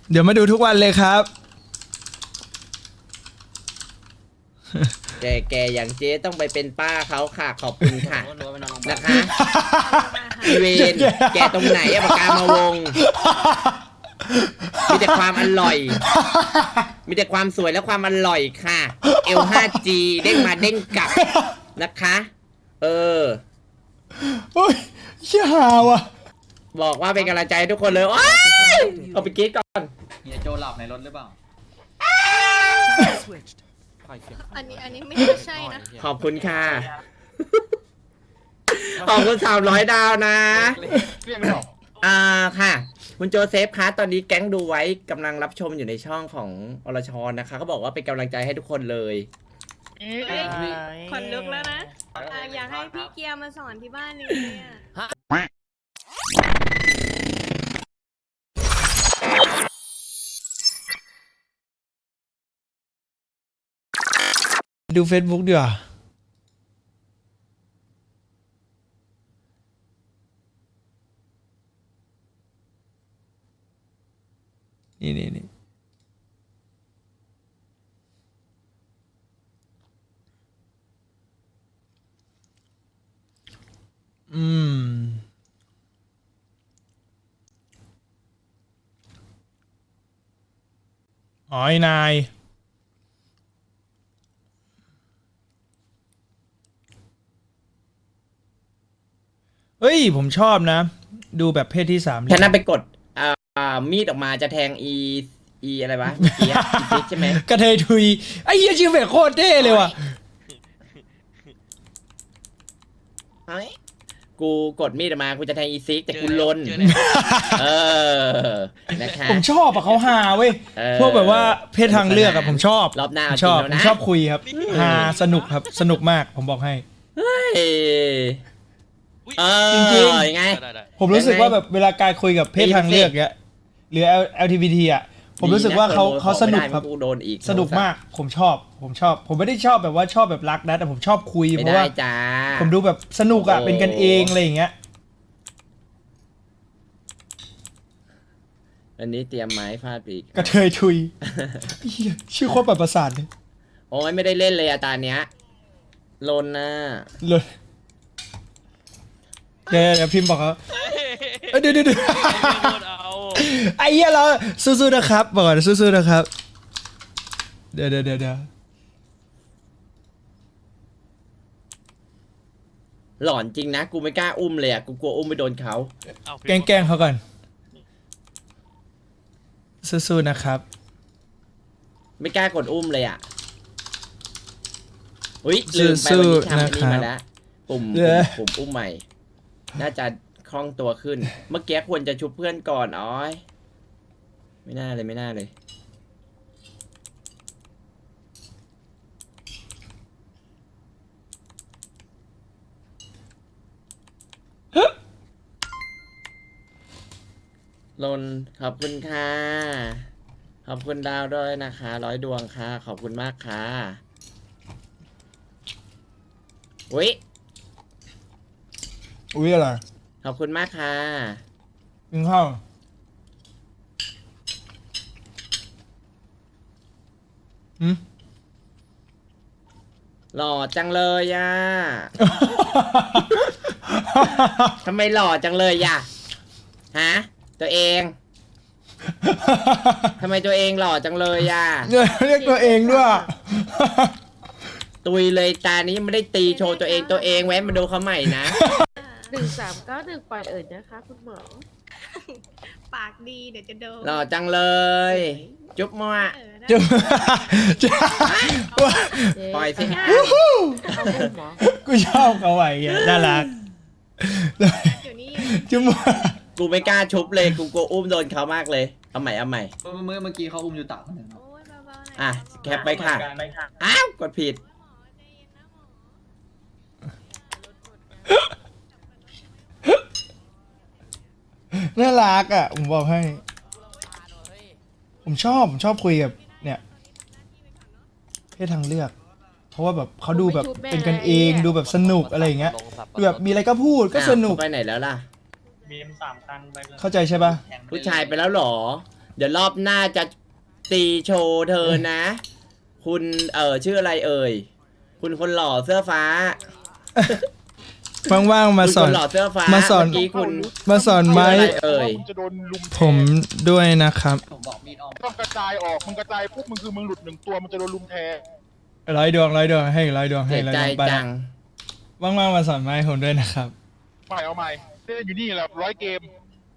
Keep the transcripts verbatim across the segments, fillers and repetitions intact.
เดี๋ยวมาดูทุกวันเลยครับแกแกอย่างเจ๊ต้องไปเป็นป้าเขาค่ะขอบคุณค่ะนะคะอีเวนแกตรงไหนอะปากกามาวงมีแต่ความอร่อย มีแต่ความสวยและความอร่อยค่ะ เอล ห้าจี เด้งมาเด้งกลับนะคะ เออโอ้ยเชี่ยหาว่ะบอกว่าเป็นกำลังใจให้ทุกคนเลยโอ๊ยเอาไปกิ๊กก่อนเฮียโจหลับในรถหรือเปล่าอันนี้อันนี้ไม่น่าใช่นะขอบคุณค่ะ ขอบคุณสามร้อยดาวนะอ่าค่ะ คุณโจเซฟคะตอนนี้แก๊งดูไว้กำลังรับชมอยู่ในช่องของอรชรนะคะเขาบอกว่าเป็นกำลังใจให้ทุกคนเลยคนลุกแล้วนะอ่ะอยากให้พี่เกียร์มาสอนที่บ้านนี่เนี่ยดู Facebook ดีกว่านี่นี่นี่อืมอ๋อไอ้นายเฮ้ยผมชอบนะ ดูแบบเพศที่สามฉันนั่นไปกดอ่ามีดออกมาจะแทงอีอีอะไรวะเมื่อกี้อะอีฟิกใช่ไหมกระเทยทุยไอ้เหี้ยชื่อเฟกโคตรเท่เลยว่ะเฮ้ยกูกดมีดออกมากูจะแทงอีซิกแต่กูลนเออนะคะผมชอบอะเขาหาเว้ยเออพวกแบบว่าเพศทางเลือกอะผมชอบรอบหน้าผมชอบเอาจริงแล้วนะผมชอบคุยครับหาสนุกครับสนุกมากผมบอกให้เฮ้ยเออจริงๆยังไงผมรู้สึกว่าแบบเวลาการคุยกับเพศทางเลือกเนี้ยหรือ แอล จี บี ที อ่ะผมรู้สึกว่าเขาเขาสนุกครับกูโดนอีกสนุกมากผมชอบผมชอบ ผมไม่ได้ชอบแบบว่าชอบแบบรักนะแต่ผมชอบคุยไม่เพราะได้ว่าจ้าผมดูแบบสนุกอะโอ้เป็นกันเองอะไรอย่างเงี้ยอันนี้เตรียมไม้ฟาดปีกกระเทยทุยเหี้ยชื่อโคตรแบบประสาทเลยโอ้ยไม่ได้เล่นเลยอะตาเนี้ยลนนะเลยเดี๋ยวเดี๋ยวพิมพ์บอกเขาเอ้ยเดี๋ยวเดี๋ยวเดี๋ยวไอ้เหี้ยเราสู้ๆนะครับบอกก่อนสู้ๆนะครับเดี๋ยวเดี๋ยวเดี๋ยวเดี๋ยวหลอนจริงนะกูไม่กล้าอุ้มเลยอะกูกลัวอุ้มไปโดนเขาแกล้งแกล้งเขาก่อนสู้ๆนะครับไม่กล้ากดอุ้มเลยอะอุ้ยลืมไปวันนี้ทำอันนี้มาแล้วปุ่มปุ่มปุ่มอุ้มใหม่ น่าจะคล่องตัวขึ้น เมื่อกี้ควรจะชุบเพื่อนก่อนอ๋อยไม่น่าเลยไม่น่าเลยลนขอบคุณค่ะขอบคุณดาวด้วยนะคะร้อยดวงค่ะขอบคุณมากค่ะอุ้ยอุ้ยอะไรขอบคุณมากค่ะกินข้าวอืมหล่อจังเลยอ่ะ ทำไมหล่อจังเลยอ่ะฮะตัวเองทำไมตัวเองหล่อจังเลยอ่ะเรียกตัวเองด้วยตุยเลยตานี้ไม่ได้ตีโชว์ตัวเองตัวเองแว้นมาดูเขาใหม่นะหนึ่งสามเก้าหนึ่งปล่อยเอิดนะคะคุณหมอปากดีเดี๋ยวจะโดนหล่อจังเลย จุ๊บมั่วเออนะจะจะปล่อยสิเอาคุณหมอกูชอบเขาไว้เงี้ยน่ารักเดี๋ยวนี้จุ๊บกูไม่กล้าชุบเลยกูกลัวอุ้มโดนเขามากเลยเอาใหม่เอาใหม่เมื่อเมื่อเมื่อกี้เขาอุ้มอยู่ตักคนหนึ่งโอ้ยเบาๆหน่อยอ่ะแคปไปค่ะอ้าวกดผิดหมอใจเย็นนะหมอน่ารักอ่ะผมบอกให้ ผมชอบผมชอบคุยกับเนี่ยเพศทางเลือก เพราะว่าแบบเขาดูแบบเป็นกันเองดูแบบสนุกอะไรอย่างเงี้ยดูแบบมีอะไรก็พูดก็สนุกอ้าวไปไหนแล้วล่ะบีมสามคันไปเลยเข้าใจใช่ปะผู้ชายไปแล้วเหรอเดี๋ยวรอบหน้าจะตีโชว์เธอนะ คุณเออชื่ออะไรเอ่ยคุณคนหล่อเสื้อฟ้าว่างๆมาสอนคุณคนหล่อเสื้อฟ้ามาสอนเมื่อกี้คุณมาสอนไม้ชื่ออะไรเอ่ยจะโดนลุมแทงผมด้วยนะครับผมบอกมีดออมต้องกระจายออกมึงกระจายปุ๊บมึงคือมึงหลุดหนึ่งตัวมันจะโดนลุมแทงร้อยดวงร้อยดวงให้ร้อยดวงให้เสียร้อยใจดวงไปจังว่างๆมาสอนไม้ผมด้วยนะครับใหม่เอาใหม่เล่นอยู่นี่แหละร้อยเกม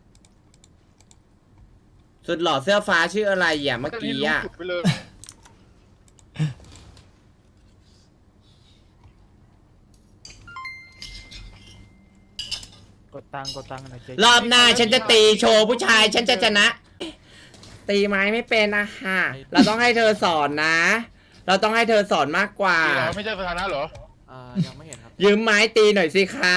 สุดหล่อเสื้อฟ้าชื่ออะไรอ่ะเมื่อเล่นกี้ให้รู้อ่ะจุดไปเลยกดตังค์กดตังค์หน่อยเจ๊รอบหน้าฉันจะตีโชว์ผู้ชายฉันจะชนะ ตีไม้ไม่เป็นนะฮะเราต้องให้เธอสอนนะ เราต้องให้เธอสอนมากกว่านี่เหรอไม่ใช่สถานะเหรออ่ายังไม่เห็นครับยืมไม้ตีหน่อยสิคะ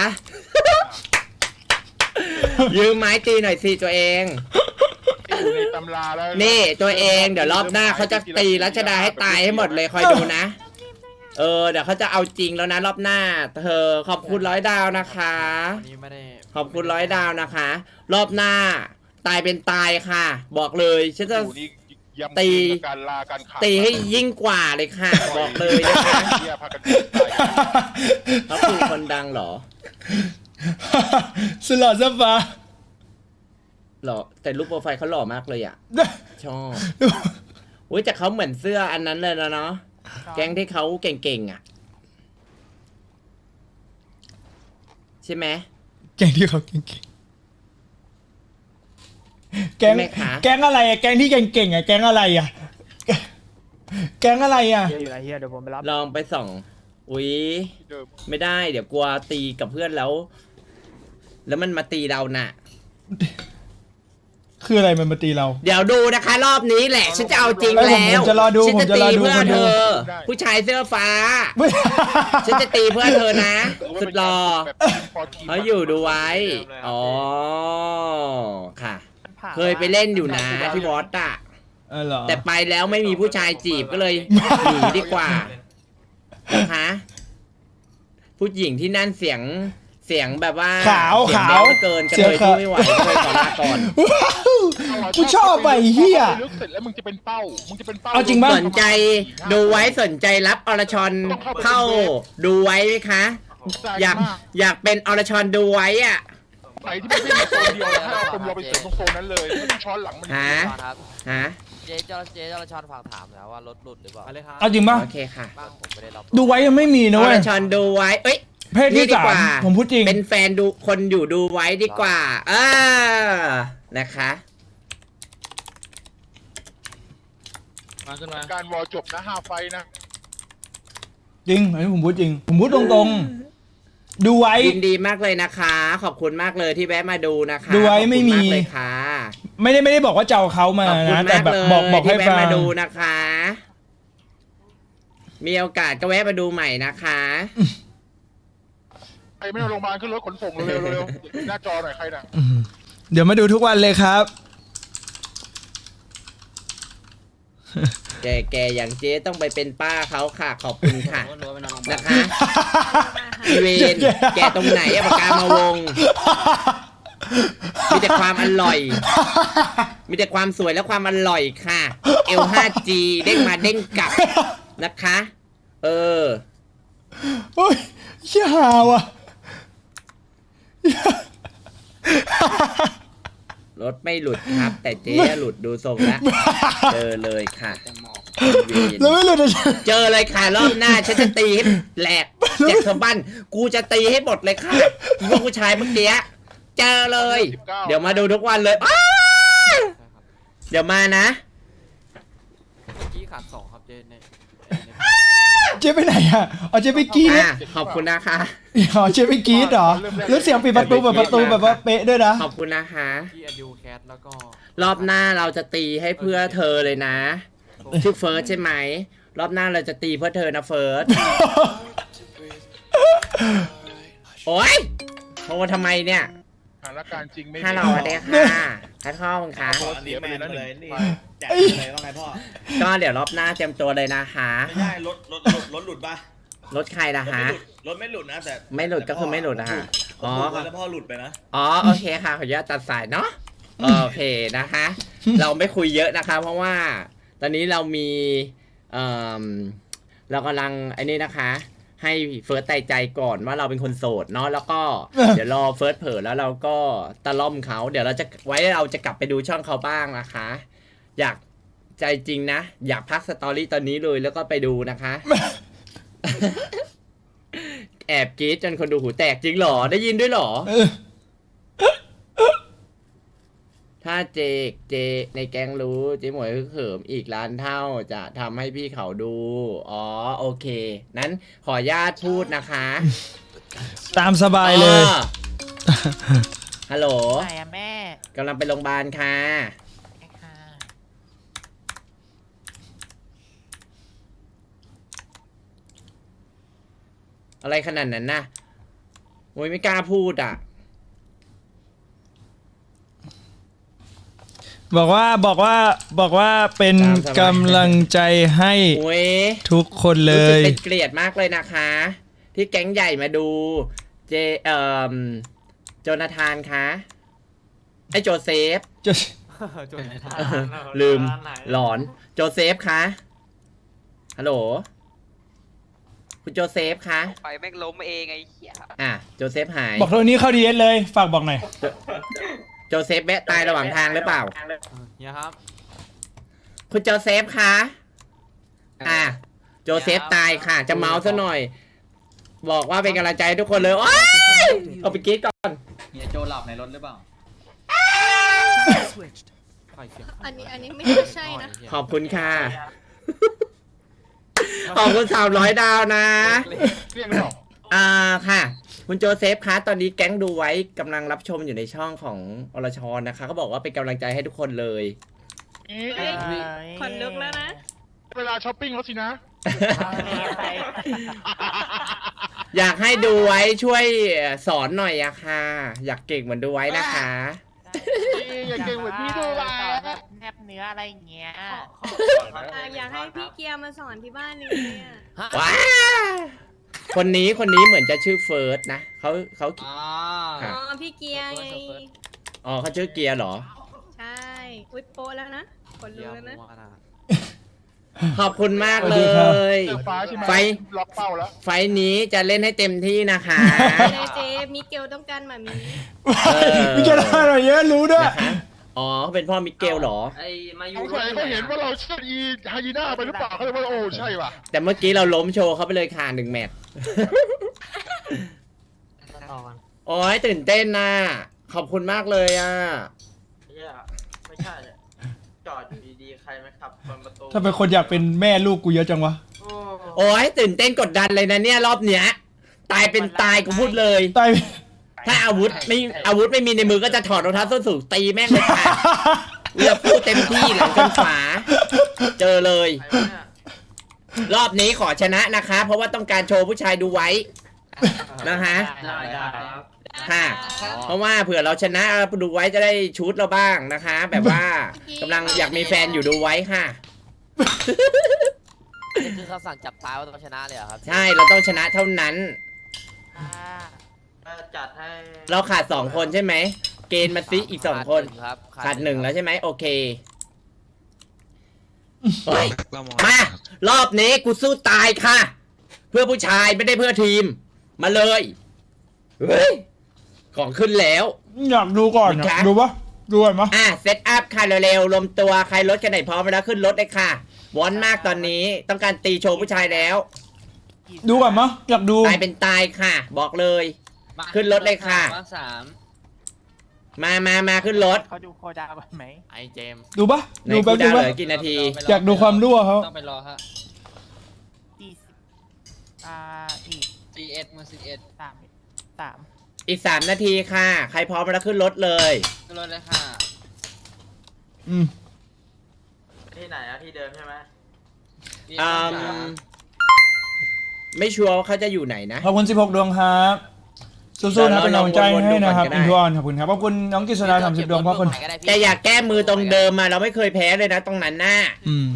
ยืมไม้ตีหน่อยสิตัวเองที่อยู่ในตำราแล้วนี่ตัวเองเดี๋ยวรอบหน้าเขาจะตีรัชดาให้ตายให้หมดเลยคอยดูนะ เออเดี๋ยวเขาจะเอาจริงแล้วนะรอบหน้า เธอขอบคุณร้อยดาวนะคะวันนี้ไม่ได้ขอบคุณร้อยดาวนะคะ รอบหน้า ตายเป็นตายค่ะ บอกเลยฉันจะอยู่นี่ยำตีเกมกับการลาการขาดตีให้ยิ่งกว่าเลยค่ะ บอกเลยนะคะเหี้ยพากันตายกันเขาคือคนดังเหรอสลอดซะฟ้าหล่อแต่รูปโปรไฟล์เขาหล่อมากเลยอ่ะ ชอบอุ้ยแต่เขาเหมือนเสื้ออันนั้นเลยนะเนาะแก๊งที่เขาเก่งๆอ่ะ ใช่ไหมแก๊งที่เขาเก่งๆแก๊งใช่ไหมคะแก๊งอะไรอะแก๊งที่เก่งๆอะแก๊งอะไรอะแก๊งอะไรอะเฮียอยู่ไหนเฮียเดี๋ยวผมไปรับลองไปส่อง อุ้ยที่เดิมไม่ได้ เดี๋ยวกลัวตีกับเพื่อนแล้ว แล้วมันมาตีเราน่ะคืออะไรมันมาตีเราเดี๋ยวดูนะคะ รอบนี้แหละ ฉันจะเอาจริงเอ้ยผมแล้วผมจะรอดูฉันผมจะจะตีรอดูเพื่อคนดูเธอ ผู้ชายเสื้อฟ้า ฉันจะตีเพื่อเธอนะ สุดหล่อแบบทีมพอทีมเขาอยู่ดูไว้ อ๋อ ค่ะ เคยไปเล่นอยู่นะที่วอตอะเออเหรอแต่ไปแล้วไม่มีผู้ชายจีบก็เลยหนีดีกว่านะคะ ผู้หญิงที่นั่นเสียงเสียงแบบว่าขาวเสียงขาวเบลเกินกระเทยสู้ไม่ไหวก็เลยขอลาก่อนกูชอบไปเฮียลึกเสร็จแล้วมึงจะเป็นเป้ามึงจะเป็นเป้าเอาจริงปะสนใจดูไว้สนใจรับอรชรเข้าดูไว้ไหมคะ อยากอยากเป็นอรชรดูไว้อ่ะไหนที่ไม่ใช่โซนเดียวนะให้เอาคนเราไปเสริมตรงโซนนั้นเลยไม่ต้องช้อนหลังมันฮะครับฮะเจ๊เจ้าเจ๊เจ้าละชอนฝากถามแล้วว่ารถหลุดหรือเปล่าไปเลยครับเอาจริงปะโอเคค่ะบ้างผมไม่ได้รับดูไว้ยังไม่มีนะอเว้รยชรดูไว้ เอ้ยเพศที่นี่ดีสาก มว่าผมพูดจริงเป็นแฟนดูคนอยู่ดูไว้ดีกว่าเออนะคะมาขึ้นมาการวอลจบนะห้าไฟนะจริงอันนี้ผมพูดจริง ผมพูดตรงๆ ดูไว้ยินดีมากเลยนะคะ ขอบคุณมากเลยที่แวะมาดูนะคะดูไว้ไม่มีขอบคุณากเลยค่ะไม่ได้ไม่ได้บอกว่าจะเอาเขามาขอบคุณนะแต่มากแบบเลยบอกบอกให้ที่ฟัแวะงมาดูนะคะ มีโอกาสก็แวะมาดูใหม่นะคะใครไม่เอาโรงพยาบาลขึ้นรถขนส่งเร็วๆเร็วๆหน้าจอหน่อยใครน่ะอืมเดี๋ยวมาดูทุกวันเลยครับแกแกอย่างเจ๊ต้องไปเป็นป้าเขาค่ะ ขอบคุณค่ะ นะคะอีเวนแกตรงไหนอะปากกามาวง มีแต่ความอร่อย มีแต่ความสวยและความอร่อยค่ะ เอล ห้าจี เด้งมาเด้งกลับนะคะ เออโอ้ยเชี่ยหาว่ะรถไม่หลุดครับ แต่เจ๊หลุดดูทรงแล้วเจอเลยค่ะเวรแล้วไม่รู้จะเจอเลยค่ะรอบหน้าฉันจะตีให้แหลกเจ็บสะบั้นกูจะตีให้หมดเลยค่ะอีพวกผู้ชายเมื่อกี้เจอเลย เดี๋ยวมาดูทุกวันเลยอ้าเดี๋ยวมานะเมื่อกี้ขาดสองครับเจ๊ในในเจ๊ไปไหนอ่ะเอาเจ๊ไปกรีดอ่ะขอบคุณนะคะอ๋อเจ๊ไปกรีดเหรอแล้วเสียงปิดประตูแบบประตูแบบว่าเป๊ะด้วยนะขอบคุณนะคะที่อดูแคสแล้วก็รอบหน้าเราจะตีให้เพื่อเธอเลยนะชื่อเฟิร์สใช่ไหมรอบหน้าเราจะตีเพื่อเธอนะเฟิร์สโอ๊ยโทรทำไมเนี่ยสถานการณ์จริงไม่มีฮัลโหลสวัสดีค่ะทัดข้อมึงคะเสียไปเลยนะหนึ่งไฟแจกเลยว่าไงพ่อก็เดี๋ยวรอบหน้าเตรียมตัวเลยนะคะไม่ใช่รถรถรถรถหลุดป่ะรถใครล่ะรถฮะไม่หลุดรถไม่หลุดนะแต่ไม่หลุดก็คือไม่หลุดนะฮะอ๋อ๋ออแล้วพ่อหลุดไปนะอ๋อโอเคค่ะขออนุญาตตัดสายเนาะโอเคนะคะเราไม่คุยเยอะนะคะ เพราะว่าตอนนี้เรามีเอ่อเรากำลังไอ้นี่นะคะ ให้เฟิร์สใจใจก่อนว่าเราเป็นคนโสดเนาะแล้วก็ เดี๋ยวรอเฟิร์สเผลอแล้วเราก็ตะล่อมเขาเดี๋ยวเราจะไว้เราจะกลับไปดูช่องเขาบ้างนะคะ อยากใจจริงนะ อยากพักสตอรี่ตอนนี้เลยแล้วก็ไปดูนะคะ แอบกรี๊ดจนคนดูหูแตกจริงเหรอได้ยินด้วยเหรอเออถ้าเจกเจในแก๊งรู้เจ๊หมวยฮึกเหิมอีกล้านเท่าจะทำให้พี่เขาดู อ๋อโอเค นั้นขออนุญาตพูดนะคะตามสบายเลยอ๋อฮัลโหลไหนอะแม่กำลังไปโรงพยาบาลค่ะค่ะอะไรขนาดนั้นนะโอ้ยไม่กล้าพูดอ่ะบอกว่าบอกว่าบอกว่าเป็นตามสบายกำลังใจให้โอ้ยทุกคนเลรู้สึกยเป็นเกลียดมากเลยนะคะ ที่แก๊งใหญ่มาดู เจเอ่อโจนาธานคะไอโจเซฟจะจนลืมหลอนโจเซฟคะฮัลโหลคุณโจเซฟคะไปแม่งล้มเองไอ้เหี้ยอ่ะโจเซฟหายบอกโทนี้เข้าดีเอสเลย ฝากบอกหน่อยโจเซฟแวะตายระหว่างทางหรือเปล่าเนี่ยครับคุณโจเซฟคะอ่ะโจเซฟตายค่ะ จะเมาส์ซะหน่อย บอกว่าเป็นกำลังใจให้ทุกคนเลยโอ๊ยเอาไปกรีดก่อนเฮียโจหลับในรถหรือเปล่าใครเสียงอันนี้อันนี้ไม่น่าใช่นะขอบคุณค่ะ ขอบคุณสามร้อยดาวนะเรียกไม่ออกอ่าค่ะ คุณโจเซฟคะตอนนี้แก๊งดูไว้กำลังรับชมอยู่ในช่องของอรชรนะคะเขาบอกว่าเป็นกำลังใจให้ทุกคนเลยเฮ้ยคนลุกแล้วนะเวลาช้อปปิ้งแล้วสินะอยากให้ดูไว้ช่วยสอนหน่อยอะค่ะ อยากเก่งเหมือนดูไว้นะคะอย่าเก่งเหมือนพี่ดูมาแนบเนื้ออะไรอย่างเงี้ยอ่ะอยากให้พี่เกียร์มาสอนที่บ้านนี่เนี่ยว้าคนนี้คนนี้เหมือนจะชื่อเฟิร์สนะเขาเขาอ่าครัอ๋บอพี่เกียร์ไงอ๋อเขาชื่อเกียร์เหรอใช่ อุ้ยโปะแล้วนะ คนลุกแล้วนะขอบคุณมากเลสวัสดีครับยเจอฟ้าใช่ไหมไฟล็อกเป้าแล้วไฟล์นี้จะเล่นให้เต็มที่นะคะเลยเจมิเกลต้องการหมามีเออมิเกลได้หน่อยเยอะรู้ด้วยนะคะอ๋อเขาเป็นพ่อมิเกลเหรอไอ้มายูสงสัยเขาเห็นว่าเราเชื่ออีไฮยีน่าไปหรือเปล่าเขาเลยว่าโอ้ใช่ว่ะแต่เมื่อกี้เราล้มโชว์เขาไปเลยค่ะหนึ่งแมตช์ โอ้ยตื่นเต้นน่ะ ขอบคุณมากเลยอ่ะไม่ใช่จอดอยู่ดีๆใครไหมครับเปิดประตูถ้าเป็นคนอยากเป็นแม่ลูกกูเยอะจังวะโอ้ยตื่นเต้นกดดันเลยนะเนี่ยรอบเนี้ย ตายเป็นตายกูพูดเลยตายถ้าอาวุธไม่อาวุธไม่มีในมือก็จะถอดรองเท้าส้นสูงตีแม่งเลยค่ะเลือกพูดเต็มที่หลังจนฝา เจอเลย รอบนี้ขอชนะนะคะ เพราะว่าต้องการโชว์ผู้ชายดูไว้นะคะได้ได้ครับค่ะ เพราะว่าเผื่อเราชนะดูไว้จะได้ชุดเราบ้างนะคะ แบบว่ากำลังอยากมีแฟนอยู่ดูไว้ค่ะนี่คือคำสั่งจับตายว่าต้องชนะเลยเหรอครับใช่เราต้องชนะเท่านั้นจัดให้เราขาดสองคนใช่ไหม เกณฑ์มาซิอีกสองคนครับขาดหนึ่งแล้วใช่ไหมโอเคเฮ้ยมา รอบนี้กูสู้ตายค่ะ เพื่อผู้ชายไม่ได้เพื่อทีม มาเลยเฮ้ยของขึ้นแล้วอยากดูก่อนครัอะบดูปะดูก่อนปะอ่ะเซตอัพค่ะเร็วๆรวมตัวใครรถกันไหนพร้อมแล้วขึ้นรถเลยค่ะวอนมากตอนนี้ต้องการตีโชว์ผู้ชายแล้วดูก่อนมะอยากดูตายเป็นตายค่ะ บอกเลย ขึ้นรถเลยค่ะมาสามมามามาขึ้นรถเขาดูโคดาก่อนไหมไอเจมส์ดูปะในดูกูแป๊บดาดูวเหปะลือกี่นาทีอยากดูความรั่วเขาต้องไปรอฮะสี่สิบอ่าอีกซีเอ็ดมาซีเอ็ดสามสามอีกสามนาทีค่ะ ใครพร้อมแล้วขึ้นรถเลยขึ้นรถเลยค่ะอืมที่ไหนอะที่เดิมใช่ไหมอืมไม่ชัวร์ว่าเขาจะอยู่ไหนนะขอบคุณสิบหกดวงครับสู้ๆนะเป็นกำลังใจให้นะครับวนๆดูก่อนก็ได้อินทวอนขอบคุณครับขอบคุณน้องกิษดาสามสิบดวงพ่อคนแต่อยากแก้มือตรงเดิมมาเราไม่เคยแพ้เลยนะตรงนั้นน่ะอืม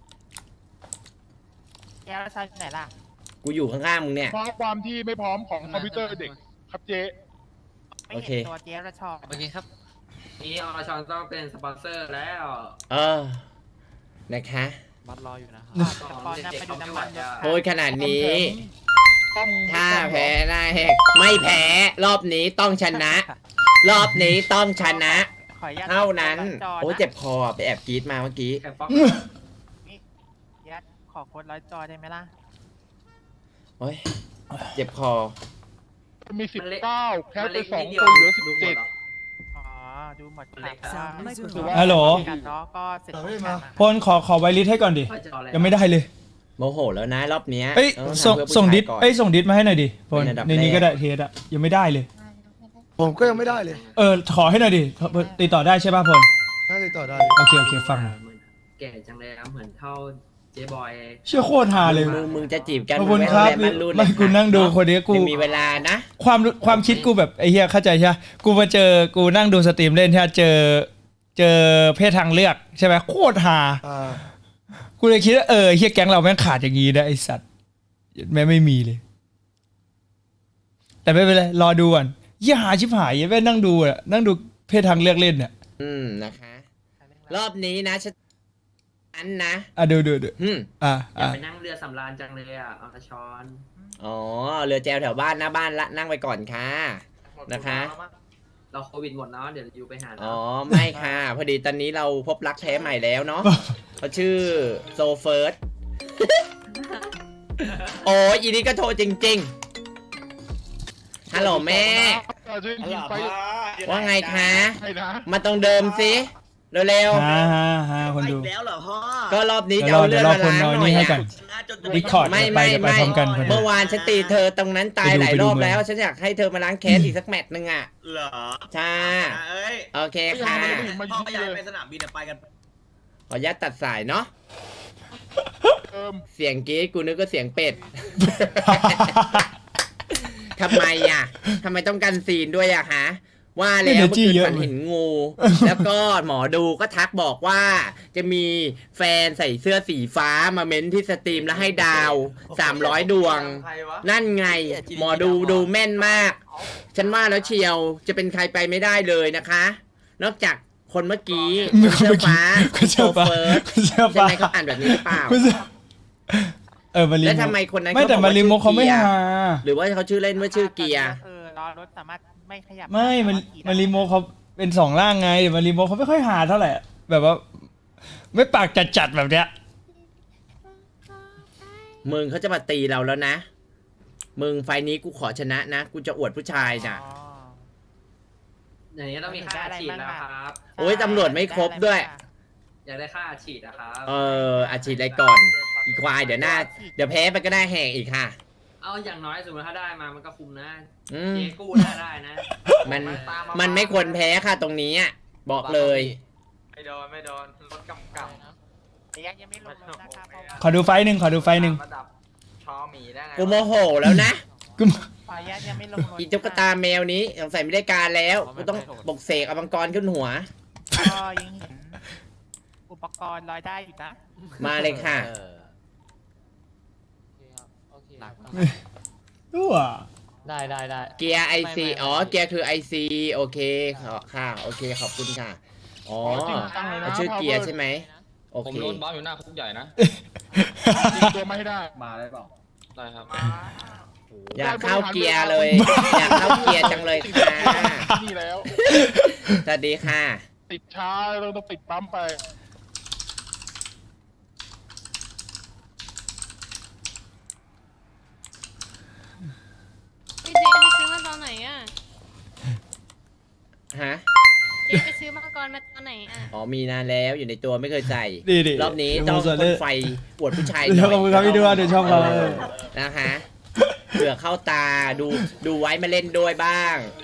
แก้วแล้วชายที่ไหนล่ะกูอยู่ข้างๆมึงเนี่ยเพราะความที่ไม่พร้อมของคอมพิวเตอร์เด็กครับเจ๊ไม่โอเคเห็นตัวเจ๊ระชอบโอเคครับนี่อรชรต้องเป็นสปอนเซอร์แล้วเออนะคะบัตรรออยู่นะครับก่อนนะไปดูน้ำมันรถพูดขนาดนี้ต้องถ้าแพ้หน้าแหกไม่แพ้รอบนี้ต้องชนะ รอบนี้ต้องชนะขออนุญาตเท่านั้นจโอ้ยเจ็บคอไปแอบกรีดมาเมื่อกี้แข่งฟ็อกยัดขอโค้ดร้อยจอได้ไหมล่ะโอ้ยเจ็บคอมีสิบเก้าแค่ไปมันเล็กสองนิดเดีคยวนเหลือสิบดูหมเจ็ดดเหรออ๋อ ดูหมดเล็กค่ะถือว่าฮัลโหลกันเนาะก็เสร็จเฮ้ยกันมานะพลขอขอไวลิสให้ก่อนดิว่าจะเอาอะไรยังไม่ได้เลยโมโหแล้วนะรอบเนี้ยเอ้ยต้องส่งทำเพื่อผู้ส่งชายดิสก่อนเอ้ยส่งดิสมาให้หน่อยดิพลเป็นอันดับในนี้แรกก็ได้เทสอะยังไม่ได้เลยผมก็ยังไม่ได้เลยเออขอให้หน่อยดิติดต่อได้ใช่ป่ะพลน่าจะต่อได้โอเคโอเคฟังหน่อยแก่จังเลยครับเหมือนเท่าเจ๊บอยเชื่อโคตรฮาเลยมึงมึงจะจีบกันขอบคุณครับมึงไม่ต้องเยนมันรุ่นไม่กูนั่งดูคนนี้กูยังมีเวลานะความความคิดกูแบบไอ้เหี้ยเข้าใจใช่ไหมกูมาเจอกูนั่งดูสตรีมเล่นใช่ไหมเจอเจอเพศทางเลือกใช่ไหมโคตรฮาอ่ากูเลยคิดว่าเออเฮียแก๊งเราแม่งขาดอย่างงี้นะไอสัตว์แม่งไม่มีเลย แต่ไม่เป็นไรรอดูก่อนเฮียหาชิบหายแม่งนั่งดูอ่ะนั่งดูเพศทางเลือกเล่นเนี่ยอืมนะคะ รอบนี้นะฉันอันนะอ่ะดูดูดูอืมอ่ะอยากอ่ะไปนั่งเรือสำราญจังเลยอ่ะอรชรอ๋อเรือแจวแถวบ้านหน้าบ้านละนั่งไปก่อนค่ะ นะคะเราโควิดหมดเนาะเดี๋ยวอยู่ไปหาอ๋อไม่ค่ะ พอดีตอนนี้เราพบรักแท้ใหม่แล้วเนาะเขาชื่อโซเฟิร์ส โอ้ยอีนี่ก็โทรจริงๆฮัลโหลแม่ช่วยยิงไปว่าไงคะให้นะมาตรงเดิมสิเร็วฮาฮาฮาคนดูแล้วเหรอพ่อๆก็รอบนี้เดี๋ยวจะรอเอาเดี๋เรื่ยองวรอมาคนล้างหน่อยนอนนี่ให้อะกัน ดิคอร์ดไม่ไปไม่เดี๋ยวไปไม่พร้อมกันคนดูเมื่อวานฉันตีเธอตรงนั้นตายหลายไปดูรอบไปดูแล้ว ฉันอยากให้เธอมาล้างแค้นอีกสักแมตช์นึงอ่ะเหรอใช่เอ้ยโอเคค่ะพ่อก็อยากไปสนามบินอะไปกันขออนุญาตตัดสายเนาะเติมเสียงกรี๊ดกูนึกว่าเสียงเป็ด ทำไมอ่ะทำไมต้องกันซีนด้วยอ่ะฮะ ว่าแล้วเมื่อคืนฝันเห็นงู แล้วก็หมอดูก็ทักบอกว่า จะมีแฟนใส่เสื้อสีฟ้ามาเม้นที่สตรีมแล้วให้ดาวสามร้อยดวงใครวะนั่นไง หมอดูดูแม่นมาก ฉันว่าแล้วเชียวจะเป็นใครไปไม่ได้เลยนะคะ นอกจากคนเมื่อกี้คนเสื้อฟ้าคนเสื้อฟ้าโชเฟอร์คนเสื้อใช่ฟ้าไหมเขาอ่านแบบนี้หรือเปล่าไม่ใช่เออมาริแล้วโมทำไมคนนั้นไม่เขาแต่บอกมาว่าริโมชื่อเขาไม่เกียร์ฮาหรือว่าเขาชื่อเล่นว่าชื่อเกียร์เออรอรถสามารถไม่ขยับไม่มันมาริโมเขาเป็นสองร่างไงมาริโมเขาไม่ค่อยหาเท่าไหร่แบบว่า ไม่ปากจัดๆแบบเนี้ยมึงเขาจะมาตีเราแล้วนะ มึงไฟล์นี้กูขอชนะนะ กูจะอวดผู้ชายอ๋นะออย่างนี้ต้องมีค่าฉีดแล้วครับโอ้ยตำรวจไม่ครบด้วยอยากได้ค่าฉีดอะครับเอออาชีพอะไรก่อน อีควายเดี๋ยวหน้า เดี๋ยวแพ้ไปก็ได้แหกอีกค่ะเอาอย่างน้อยสมมติถ้าได้มามันก็คุ้มนะอืมเจกู้หน้าได้นะมันมันไม่ควรแพ้ค่ะตรงนี้อ่ะบอกเลยไม่โดนไม่โดนรถกำกับแต่ยังยังไม่ลงรถนะคะเพราะว่าขอดูไฟล์หนึ่งขอดูไฟล์หนึ่งระดับชอหมีได้ไงกูโมโหแล้วนะกูขออนุญาตยังไม่ลงรถอีตุ๊กตาแมวนี้สงสัยไม่ได้การแล้วกูต้องปลุกเสกเอามังกรขึ้นหัวก็ยังเห็นอุปกรณ์ลอยได้อยู่นะมาเลยค่ะเออโอเคครับโอเคไม่ ตัวได้ได้ได้เกียร์ไอซีไม่ไม่อ๋อเกียร์คือไอซีโอเคขอค่ะโอเคขอบคุณค่ะอ๋อจริงจังเลยนะชื่อเกียร์ใช่ไหมโอผมเคโดนบ้าอยู่หน้าคุกใหญ่นะยิงตัวไม่ได้มาได้เปล่า ได้ครับอยากเข้าเกียร์เลย อยากเข้าเกียร์จังเลยค่ะนี่แล้วสวัสดีค่ะติดช้าเราต้องติดปั๊มไปพี่เจไปซื้อมาตอนไหนอ่ะฮะเจไปซื้อมังกรมาตอนไหนอ่ะอ๋อมีนานแล้วอยู่ในตัวไม่เคยใส่ดีดีรอบนี้ต้องพ่นไฟอวดผู้ชายหเดี๋น่ยวขอบคุณอยครับพี่ดูว่าเดี๋ยวชอบเขานะคะเผื่อเข้าตาดูดูไว้มาเล่นด้วยบ้าง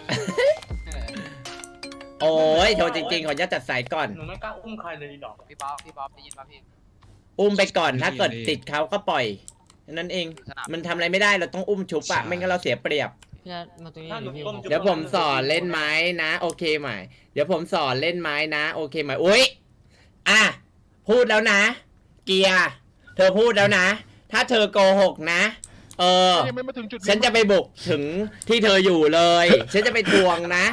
โอ้ยโทรจริงๆขออนุญาตตัดสายก่อนหนูไม่กล้าอุ้มใครเลยดอกพี่บ๊อบพี่บ๊อบได้ยินป่ะพี่อุ้มไปก่อนถ้าเกิดติดเขาก็ปล่อยแค่นั้นเองสนามมันทำอะไรไม่ได้เราต้องอุ้มชุบอะไม่งั้นเราเสียเปรียบพี่นัทมาตรงนี้หน่อยดิพี่เดี๋ยวผมสอนเล่นไม้นะ โอเคไหมเดี๋ยวผมสอนเล่นไม้นะ โอเคไหมอุ้ยอ่ะพูดแล้วนะ เกียร์เธอพูดแล้วนะ ถ้าเธอโกหกนะ เออยังไม่มาถึงจุดฉันจะไปบุกถึงที่เธออยู่เลย ฉันจะไปทวงนะ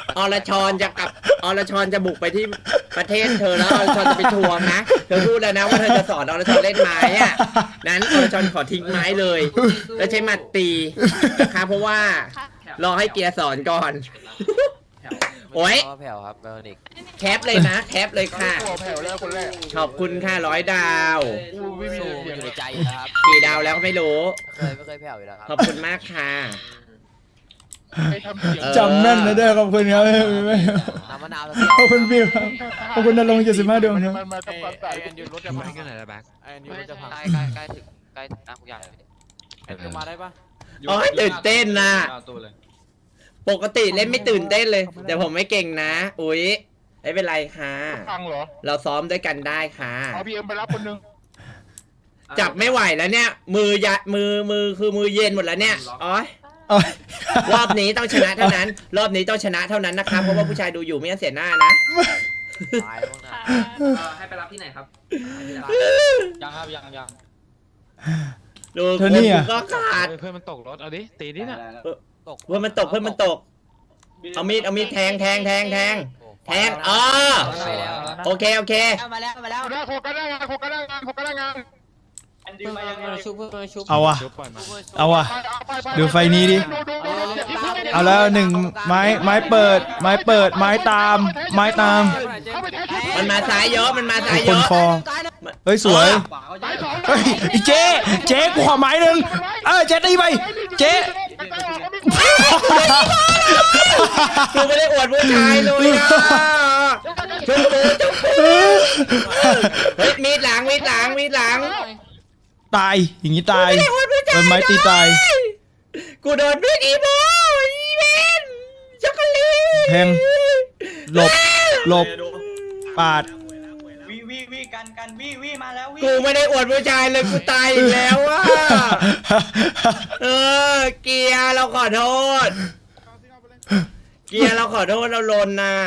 อรชรจะกลับอรชรจะบุกไปที่ประเทศเธอแล้วอรชรจะไปทวงนะเธอพูดแล้วนะว่าเธอจะสอนอรชรเล่นไม้อะนั้นอรชรขอทิ้งไม้เลย แล้วใช้หมัดตีนะคะเพราะว่ารอให้เกียร์สอนก่อนโอ้ยแผ่วครับเบอร์นิกแคปเลยนะแคปเลยค่ะตัวแผ่วแล้วคนแรกขอบคุณค่ะร้อยดาวกูไม่มีสู้เสียงอยู่ในใจครับกี่ดาวแล้วก็ไม่รู้เคยไม่เคยแผ่วอยู่แล้วครับขอบคุณมากค่ะไม่ทำเสียงจำแม่นนะเด้อขอบคุณครับน้ำมะนาวขอบคุณบิวครับขอบคุณนรงค์เจ็ดสิบห้าดวงครับมันมาทำความสะอาดแอนยูรถจะพังกันไหนละแบ็คแอนยูรถจะพังใกล้ใกล้ใกล้ถึงใกล้ถึงหน้าคุกใหญ่แอนยูมาได้ปะโอ้ยตื่นเต้นนะ ปกติเล่นไม่ตื่นเต้นเลย แต่ผมไม่เก่งนะ อุ๊ยไม่เป็นไรค่ะพังเหรอเราซ้อมด้วยกันได้ค่ะเอาพีเอ็มไปรับคนหนึงจับไม่ไหวแล้วเนี่ย มือยะมือมือคือมือเย็นหมดแล้วเนี่ยอ๋อยอ๋อรอบนี้ต้องชนะเท่านั้น รอบนี้ต้องชนะเท่านั้นนะครับเพราะว่าผู้ชายดูอยู่ไม่งั้นเสียหน้านะตายพวกนั้นให้ไปรับที่ไหนครับยังครับยังยังดูเธคอน นี่อะก็ขาดเพื่อนมันตกรถเอาดิตีดิน่ะเพื่อนมันตกเพื่อนมันตก เอามีดเอามีดแทงแทงแทงแทงแทงเออโอเคโอเคมาแล้วมาแล้วเอาได้โคกันได้งานโคกันได้งานโคกันได้งานเพิ่งมาชุบเพิ่งมาชุบเอาว่ะชุบปล่อยมาเอาว่ะไปเอาไปไปดูไฟนี้ดิ เอาแล้วหนึ่งไม้ไม้เปิด ไม้เปิด ไม้ตาม ไม้ตามเข้าไปแทงชุบมันมาซ้ายเยอะมันมาซ้ายคเยนอะฟอเฮ้ยสวยไปสองเฮ้ยไอ้เจ๊เจ๊กูขอไม้หนึ่งเออเจ๊ตีไป เจ๊กูไม่ได้อวดผู้ชายเลยอ่ะชุบมือชุบมือเฮ้ยมีดหลังมีดหลังมีดหลังตาย อย่างนี้ตายโดนไม้ตีตายกูโดนมีดอีโมอีเวนช็อกโกแลตแทง หลบ หลบ ปาดวิวิวิกันกันวิวิมาแล้ววิกูไม่ได้อวดผู้ชายเลยกูตายอีกแล้วอ่ะเออเกียร์เราขอโทษ เกียร์เราขอโทษเราลนน่ะ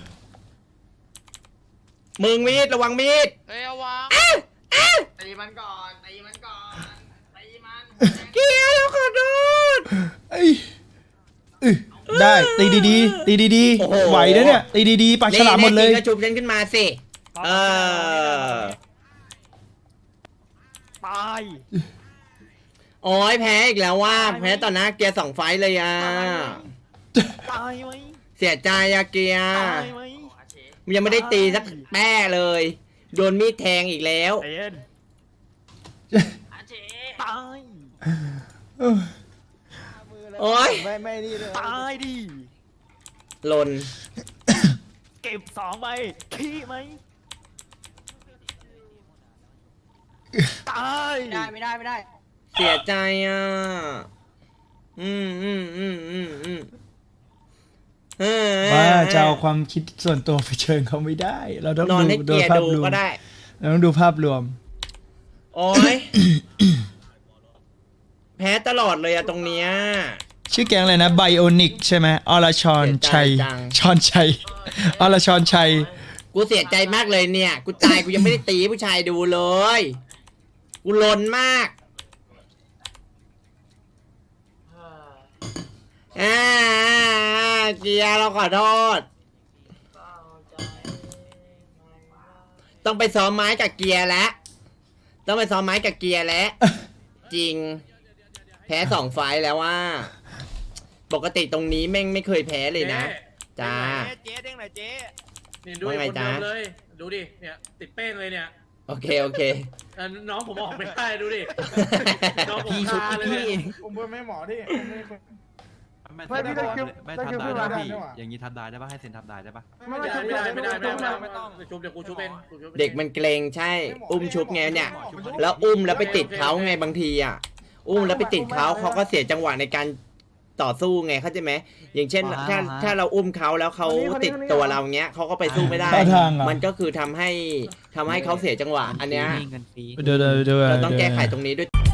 มึงมีดระวังมีดเฮ้ยเอาวางตีมันก่อนตีมันก่อนตีมันเกียร์เราขอโทษเอ้ยอึได้ตีดีๆตีดีโอ้โหๆไหวนะเนี่ยตีดีๆปากฉลามหมดเลยนี่ๆๆก็ชุบฉันขึ้นมาสิเออตายโอ้ยแพ้อีกแล้วว่าแพ้ต่อหน้าเกียร์สองไฟต์เลยอ่ะตายไหมเสียใจอะเกียร์ตายไหมยังไม่ได้ตีสักแป้เลยโดนมีดแทงอีกแล้วเอ็นตายโอ้ยไม่ไม่นี่เลยตายดิลนเก็บสองใบขี้ไหมตายได้ไม่ได้ไม่ได้เสียใจอ่ะอืมอืมอืมอืมอืมเออว่าจะเอาความคิดส่วนตัวไปเชิญเขาไม่ได้ เราต้องนอนดูให้โดเกียยร์ภาพดูรวมก็ได้เราต้องดูภาพรวมโอ้ย แพ้ตลอดเลยอะตรงเนี้ยชื่อแก๊งอะไรนะไบโอนิกใช่ไหมอรชรชัยเสียใจจังชอนชัยอรชรชัยกูเสียใจมากเลยเนี่ย กูตายกูยังไม่ได้ตีให้ผู้ชายดูเลย กูลนมากอ่าเกียร์เราขอโทษ ต้องไปซ้อมไม้กับเกียร์แล้ว ต้องไปซ้อมไม้กับเกียร์แล้ว จริง แพ้สองไฟล์แล้วว่า ปกติตรงนี้แม่งไม่เคยแพ้เลยนะ จ้าเจ๊เด้งหน่อยเจ๊นี่ดูว่าไงคนจ๊ะเดิมเลย ดูดิ เนี่ย ติดเป้งเลยเนี่ยโอเค โอเคเอ่อน้องผมออกไม่ได้ดูดิ น้องผมคาเลยเนี่ยผมเพื่อนไม่หมอที่ไม่พี่ได้คิวไม่ทำได้นะพี่อย่างนี้ทำได้ได้ปะให้เซ็นทำได้ได้ปะไม่ได้ไม่ได้ไม่ได้ไม่ได้ไม่ต้องชุบเดี๋ยวกูชุบเองกูชุบองเด็กมันเกรงใช่ อุ้มชุบไงเนี่ย แล้วอุ้มแล้วไปติดเขาไงบางทีอ่ะ อุ้มแล้วไปติดเขาเขาก็เสียจังหวะในการต่อสู้ไงเข้าใจไหมอย่างเช่น ถ้าถ้าเราอุ้มเขาแล้วเขาติดตัวเราเงี้ยเขาก็ไปสู้ไม่ได้ท่าทางอะมันก็คือทำให้ทำให้เขาเสียจังหวะ อันเนี้ยเดี๋ยวเดี๋ยวเดี๋ยวเราต้องดี๋ยวแก้ไขตรงนี้ด้วย